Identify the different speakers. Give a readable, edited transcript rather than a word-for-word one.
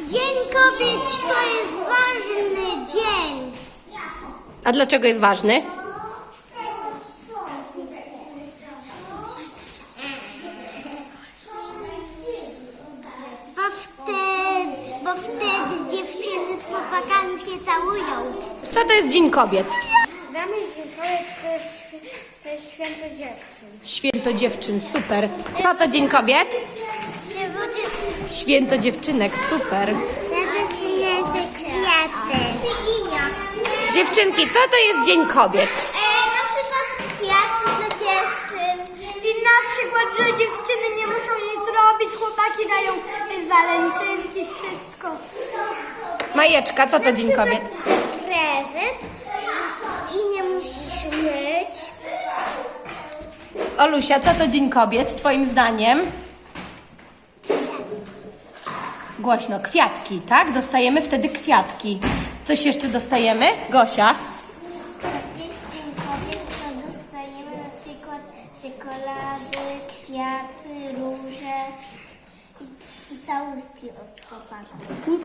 Speaker 1: Dzień Kobiet to jest ważny dzień.
Speaker 2: A dlaczego jest ważny?
Speaker 1: Bo wtedy dziewczyny z chłopakami się całują.
Speaker 2: Co to jest Dzień Kobiet?
Speaker 1: Dla mnie Dzień Kobiet to jest święto dziewczyn.
Speaker 2: Święto dziewczyn, super. Co to Dzień Kobiet? Święto dziewczynek, super.
Speaker 1: Zawycinę kwiaty.
Speaker 2: Dziewczynki, co to jest Dzień Kobiet?
Speaker 1: Na przykład kwiaty dla dziewczyn. I na przykład, że dziewczyny nie muszą nic robić, chłopaki dają walentynki, wszystko.
Speaker 2: Majeczka, co to Dzień Kobiet?
Speaker 1: Prezent i nie musisz myć.
Speaker 2: Olusia, co to Dzień Kobiet, twoim zdaniem? Głośno, kwiatki, tak? Dostajemy wtedy kwiatki. Coś jeszcze dostajemy? Gosia?
Speaker 1: Jak jest Dzień Kobiet, to dostajemy na przykład czekolady, kwiaty, róże i całuski od chłopaków.